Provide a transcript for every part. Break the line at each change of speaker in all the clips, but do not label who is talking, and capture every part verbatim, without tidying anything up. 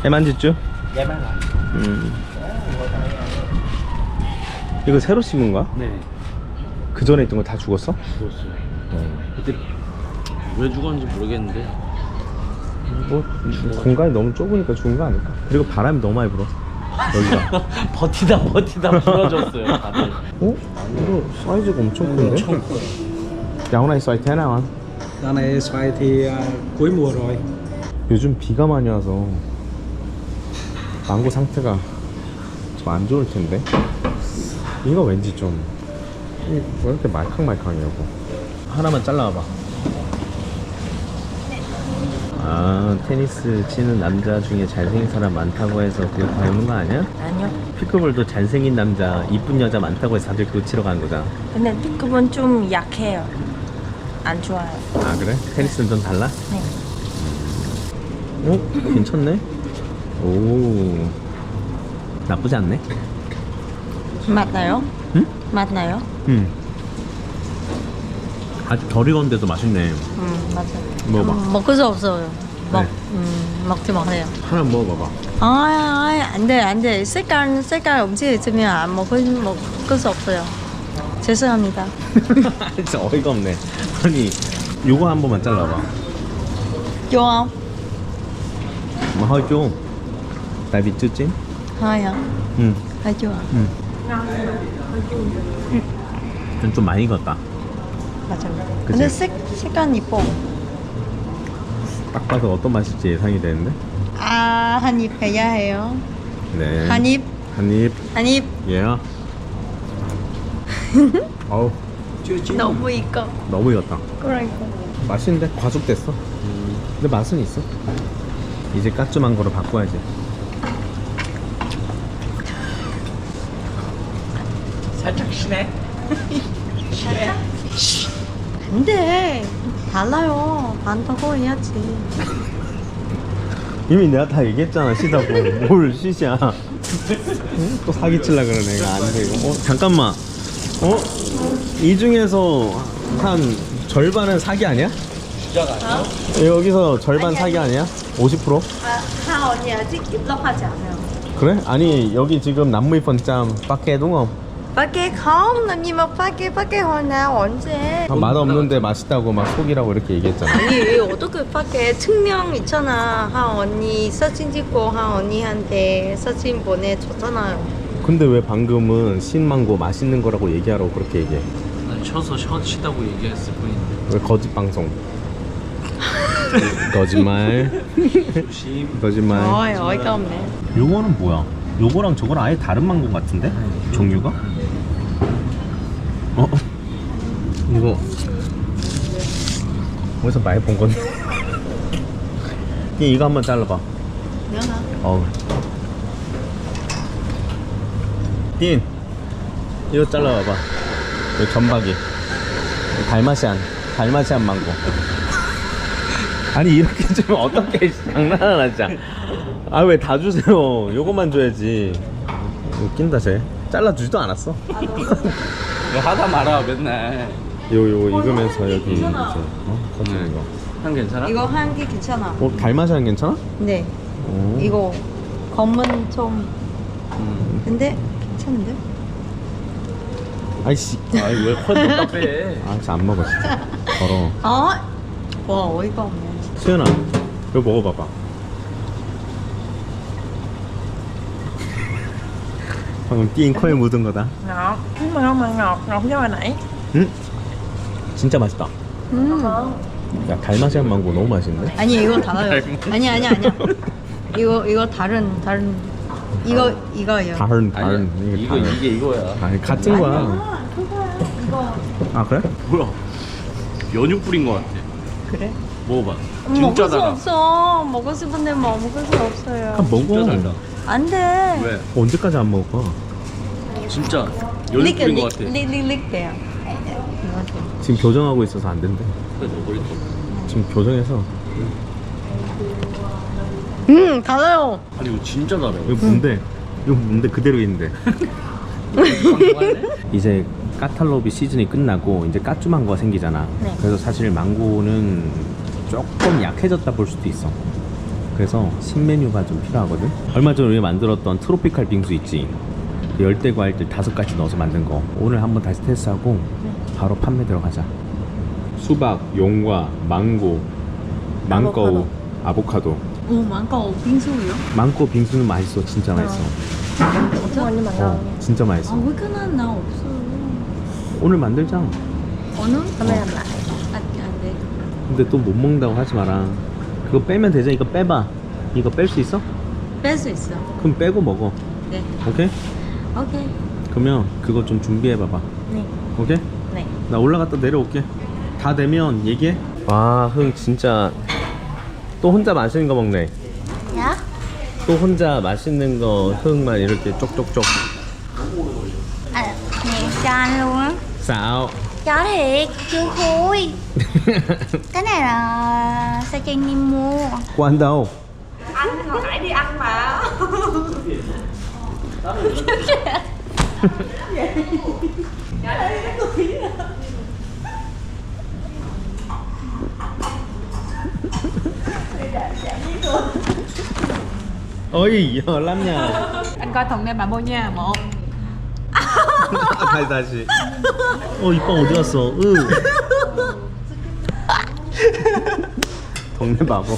Em ăn gì chưa?
Dạ em ăn rồi.
음. 이거 새로 심은 거야?
네.
그 전에 있던 거 다 죽었어?
죽었어요. 그때 왜 죽었는지 모르겠는데.
뭐 공간이 너무 좁으니까 죽은 거 아닐까? 그리고 바람이 너무 많이 불어 여기가.
버티다 버티다 부러졌어요. 다들.
어? 이거 사이즈가 엄청 큰데?
엄청 커요.
Dạo này xoài thế nào anh?
Dạo này xoài thì à, cuối mùa rồi.
요즘 비가 많이 와서 망고 상태가 좀 안 좋을 텐데. 이거 왠지 좀 왜 이렇게 말캉말캉하냐고. 하나만 잘라봐. 아, 테니스 치는 남자 중에 잘생긴 사람 많다고 해서 그거 닮은 거 아니야?
아니요.
피클볼도 잘생긴 남자, 이쁜 여자 많다고 해서 다들 그거 치러 가는 거잖아.
근데 피크본 좀 약해요. 안 좋아요.
아 그래? 테니스는 좀 달라?
네.
어? 괜찮네? 오, 나쁘지 않네?
맞나요?
응?
맞나요?
응. 아직 덜 익었는데도 맛있네.
음, 맞아요.
먹어봐.
음, 먹을 수 없어요. 먹,
네.
음, 먹지 마세요.
하나 먹어봐봐.
아, 아, 안 돼, 안 돼. 색깔, 색깔 음식 있으면 안 먹을, 먹을 수 없어요. 죄송합니다.
진짜 어이가 없네. 아니, 요거 한 번만 잘라봐.
좋아.
Mà hơi chua. Tại vì chưa chín.
hơi hả?
응.
hơi chua.
응. 좀, 좀 많이 익었다.
맞아요.
그치?
근데 색, 색깔 이뻐.
딱 봐도 어떤 맛일지 예상이 되는데.
아, 한 입 해야 해요.
네.
한 입,
한 입.
한 입.
예. 어우,
너무 익어.
너무 익었다.
그러니까.
맛있는데 과속됐어. 근데 맛은 있어. 이제 까쭈만 거로 바꿔야지.
살짝 시네.
안 돼. 달라요. 반다고 해야지.
이미 내가 다 얘기했잖아, 시다고. 뭘 시시야. 응? 또 사기칠라 그러네. 이거 안 돼, 이거. 어, 잠깐만. 어? 이 중에서 한 절반은 사기 아니야?
주자가 아니에요?
여기서 절반 사기 아니야? 오십 퍼센트?
아, 하 언니 아직 입력하지 않아요.
그래? 아니, 여기 지금 năm mươi phần trăm 밖에 đúng không?
밖에 không, làm gì mà 밖에 밖에 hồi nào 언제?
아, 맛없는데 맛있다고 막 속이라고 이렇게 얘기했잖아.
아니 어떻게 밖에 증명 있잖아. 하 언니 사진 찍고 하 언니한테 사진 보내줬잖아요.
근데 왜 방금은 신망고 맛있는 거라고 얘기하라고 그렇게 얘기해?
난 쳐서 쳐 치다고 얘기했을 뿐인데.
왜 거짓 방송? 거짓말.
조심.
거짓말.
어이 어이가 없네.
요거는 뭐야? 요거랑 저거랑 아예 다른 망고 같은데? 종류가? 어? 이거 어디서 많이 본 건데? 이 이거 한번 잘라봐.
미안하.
어우. 딘 이거 잘라봐봐. 이 전박이 달마시안 달마시안 망고. 아니 이렇게 주면 어떻게 장난하나 진짜. 아 왜 다 주세요. 요것만 줘야지. 웃긴다 쟤. 잘라주지도 않았어.
왜 하다 말아 맨날.
요 요 익으면서 여기 이제 어? 커지는 거.
한 괜찮아?
이거 한 개 괜찮아.
어 달마시안 괜찮아?
네.
오.
이거 검은 좀
음.
근데 괜찮은데?
아이씨.
아이 왜 컷 답답해?
아 진짜 안 먹어 진짜. 더러워.
어? 와 어이가 없네.
수연아 이거 먹어봐봐. 방금 띵 코에 묻은 거다.
ngọt mà không mà ngọt ngọt như hồi nãy.
응? 진짜 맛있다.
음.
야 달마시안 망고 너무 맛있는데?
아니 이거 달라요. 아니 아니 아니야. 이거 이거 다른 다른 이거 이거예요.
다른
아니야.
다른
이거
다른.
이게 이거야.
아니 같은 거야.
아 그거야 이거.
아 그래?
뭐야? 연유 뿌린 거 같아.
그래?
먹어봐.
먹을
진짜
수
달아.
없어. 먹고 싶은데 뭐 먹을 수 없어요.
한 먹어.
진짜 달다.
안 돼.
왜?
언제까지 안 먹을 거야?
진짜 연유
릭
뿌린 거
릭
같아.
릭릭릭 돼요.
지금 교정하고 있어서 안 된대.
그래 먹을 거.
지금 교정해서.
음 달아요.
아니 이거 진짜 달아.
이거 뭔데? 이거 뭔데 그대로 있는데. 이제 까탈로비 시즌이 끝나고 이제 까쭈망고가 생기잖아.
네.
그래서 사실 망고는 조금 약해졌다 볼 수도 있어. 그래서 신메뉴가 좀 필요하거든. 얼마 전에 우리가 만들었던 트로피칼 빙수 있지, 그 열대 과일들 다섯 가지 넣어서 만든 거 오늘 한번 다시 테스트하고 바로 판매 들어가자. 수박, 용과, 망고, 망고우, 아보카도.
오, 망고 빙수요?
망고 빙수는 맛있어. 진짜 맛있어.
진짜? 언니
어, 진짜 맛있어.
아, 왜 그만 나 없어.
오늘 만들자.
오늘? 오늘 안 돼.
근데 또 못 먹는다고 하지 마라. 그거 빼면 되잖아. 이거 빼봐. 이거 뺄 수 있어?
뺄 수 있어.
그럼 빼고 먹어.
네.
오케이?
오케이.
그러면 그거 좀 준비해봐봐.
네.
오케이?
네.
나 올라갔다 내려올게. 다 되면 얘기해. 와, 흥 진짜 또 혼자 맛있는 거 먹네.
야?
또 혼자 맛있는 거 흥만 이렇게 쪽쪽쪽.
À, nè cho anh luôn á.
Sao?
Cho thiệt, chưa khui. Cái này là sao cho anh em mua.
Quan đâu?
Anh hồi nãy đi ăn mà.
Ôi, giờ lắm nha.
Anh coi thùng em bà mua nha. Một.
다시 다시. 어, 이빵 어디 갔어? 으. 동네 바보.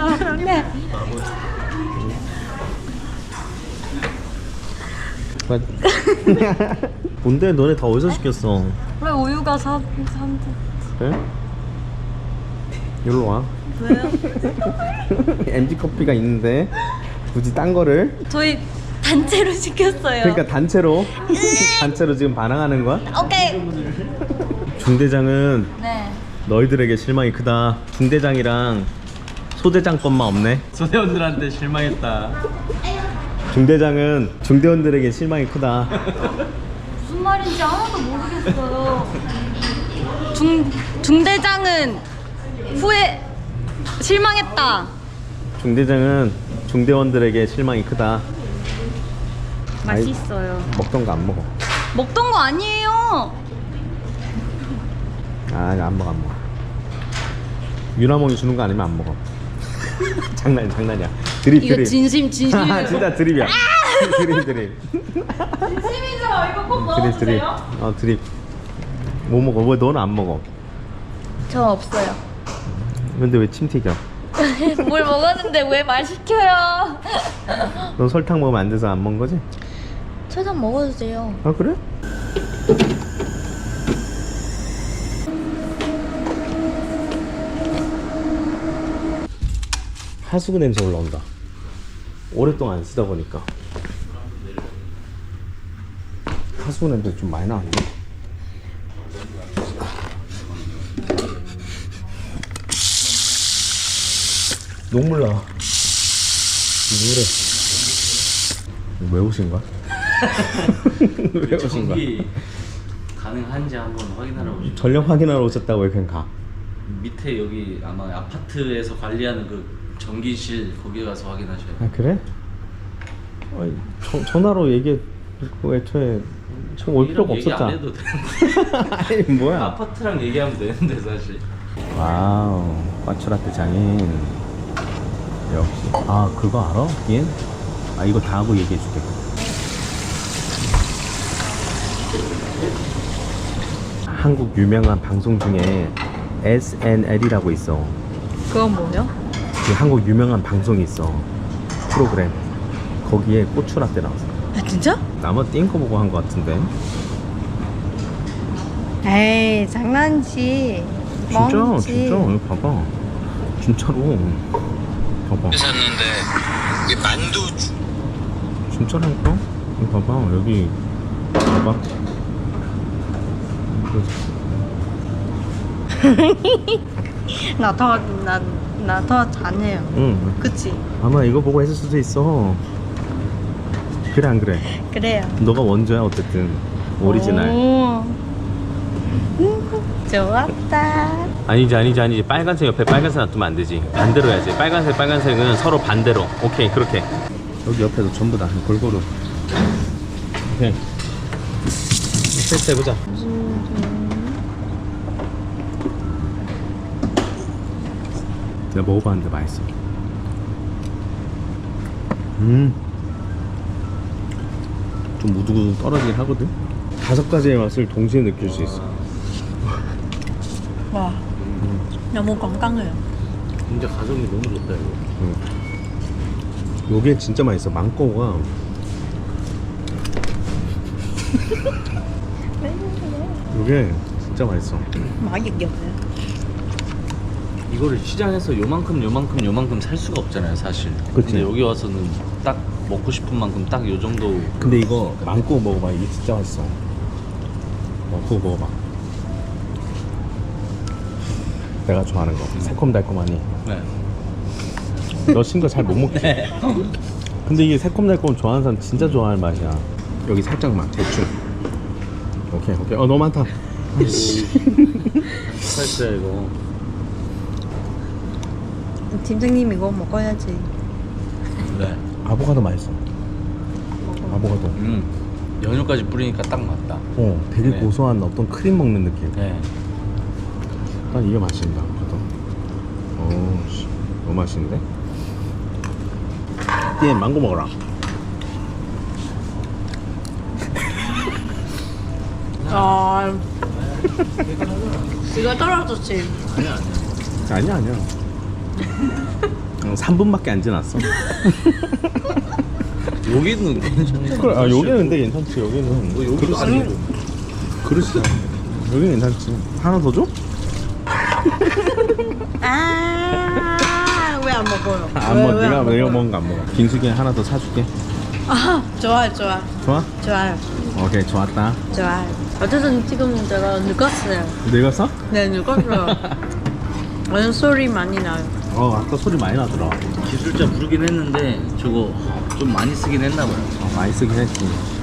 뭔데 너네 다 어디서 시켰어?
왜 우유가 사, 산대?
그래? 여기로 와.
왜요?
엠지 커피가 있는데 굳이 딴 거를.
저희 단체로 시켰어요.
그러니까 단체로 단체로 지금 반항하는 거야?
Ok.
중대장은
네.
너희들에게 실망이 크다. 중대장이랑 소대장 것만 없네.
소대원들한테 실망했다.
중대장은 중대원들에게 실망이 크다.
무슨 말인지 하나도 모르겠어요. 중 중대장은 후회 실망했다.
중대장은 중대원들에게 실망이 크다.
맛있어요.
먹던 거 안 먹어.
먹던 거 아니에요.
아, 나 안 먹어, 안 먹어. 유나몽이 주는 거 아니면 안 먹어. 장난, 장난이야. 드립,
이거
드립.
진심 진심이에요.
아, 진짜 드립이야. 드립, 드립.
진심이죠. 이거 꼭
드립, 드립. 어, 드립. 뭐 먹어? 왜 너는 안 먹어?
저 없어요.
근데 왜 침 튀겨?
뭘 먹었는데 왜 말 시켜요?
넌 설탕 먹으면 안 돼서 안 먹은 거지?
설탕 먹어도 돼요.
아, 그래? 하수구 냄새 올라온다. 오랫동안 안 쓰다 보니까 하수구 냄새 좀 많이 나는데. 녹물 나. 왜 그래? 왜 오신 거야? 왜 오신 거야?
전기 가능한지 한번 확인하러 오시죠.
전력 확인하러 오셨다고 왜 그냥 가?
밑에 여기 아마 아파트에서 관리하는 그 전기실 거기 가서 확인하셔야 돼요.
아, 그래? 아니, 저, 전화로 얘기해. 그 애초에 지금 올 필요가
얘기
없었잖아.
안 해도 되는데.
아니, 뭐야?
아파트랑 얘기하면 되는데 사실.
와우, 까추라떼 장인. 역시. 아, 그거 알아? 얘? 아, 이거 다 하고 얘기해 줄게. 한국 유명한 방송 중에 에스엔엘이라고 있어.
그건 뭐요?
그 한국 유명한 방송이 있어. 프로그램. 거기에 고추라떼 나왔어.
아 진짜?
나만 띵거 보고 한 거 같은데.
에이 장난치.
진짜,
멍치.
진짜. 이거 봐봐. 진짜로. 봐봐.
샀는데 이게 만두 주-
진짜라니까? 이거 봐봐. 여기. 봐봐.
나더나 더 잘해요.
응.
그치?
아마 이거 보고 했을 수도 있어. 그래, 안 그래?
그래요.
너가 원조야, 어쨌든. 오리지널.
오. 음, 좋았다.
아니지, 아니지, 아니지. 빨간색 옆에 빨간색 놔두면 안 되지. 반대로 해야지. 빨간색, 빨간색은 서로 반대로. 오케이, 그렇게. 여기 옆에도 전부 다 골고루. 오케이. 테스트 해보자. 내가 먹어봤는데 맛있어. 음. 좀 무두구두 떨어지긴 하거든. 다섯 가지의 맛을 동시에 느낄 수 있어.
와, 너무 건강해요.
진짜 가성비 너무 좋다 이거.
음. 요게 진짜 맛있어. 망고가 요게 진짜 맛있어.
맛이 giật
이거를 시장에서 요만큼 요만큼 요만큼 살 수가 없잖아요 사실.
그치.
근데 여기 와서는 딱 먹고 싶은 만큼 딱 요 정도.
근데 이거 망고 먹어봐. 이게 진짜 맛있어. 어, 그거 먹어봐. 내가 좋아하는 거. 새콤달콤하니.
네.
너 신거 잘 못 먹지? 근데 이게 새콤달콤 좋아하는 사람 진짜 좋아할 맛이야. 여기 살짝만 대충. 오케이 오케이. 어 너무 많다.
살짝 이거.
팀장님 이거 먹어야지.
네.
아보카도 맛있어. 아보카도.
음. 연유까지 뿌리니까 딱 맞다.
어 되게
네.
고소한 어떤 크림 먹는 느낌.
네.
난 이게 맛있다. 아보카도. 오 씨. 너무 맛있는데? 얘 망고 먹어라.
아, 이거 떨어졌지.
아니야 아니야.
아니야 아니야. 어, 삼 분밖에 안 지났어.
여기는 괜찮네.
그래, 아 여기는 근데 괜찮지. 여기는
뭐 여기도
그릇
아니고.
그릇이야. 여기는 괜찮지. 하나 더 줘?
아, 왜 안 먹어요?
안
왜,
먹어.
왜안
네가
먹어요?
내가 먹은 거 안 먹어. 빙수기 하나 더 사줄게.
아, 좋아요, 좋아,
좋아?
좋아요,
오케이 좋았다.
좋아요. 어쨌든 지금 제가 늙었어요.
늙었어?
네, 늙었어요. 완전 소리 많이 나요.
어 아까 소리 많이 나더라.
기술자 부르긴 했는데 저거 좀 많이 쓰긴 했나 봐요.
어, 많이 쓰긴 했지.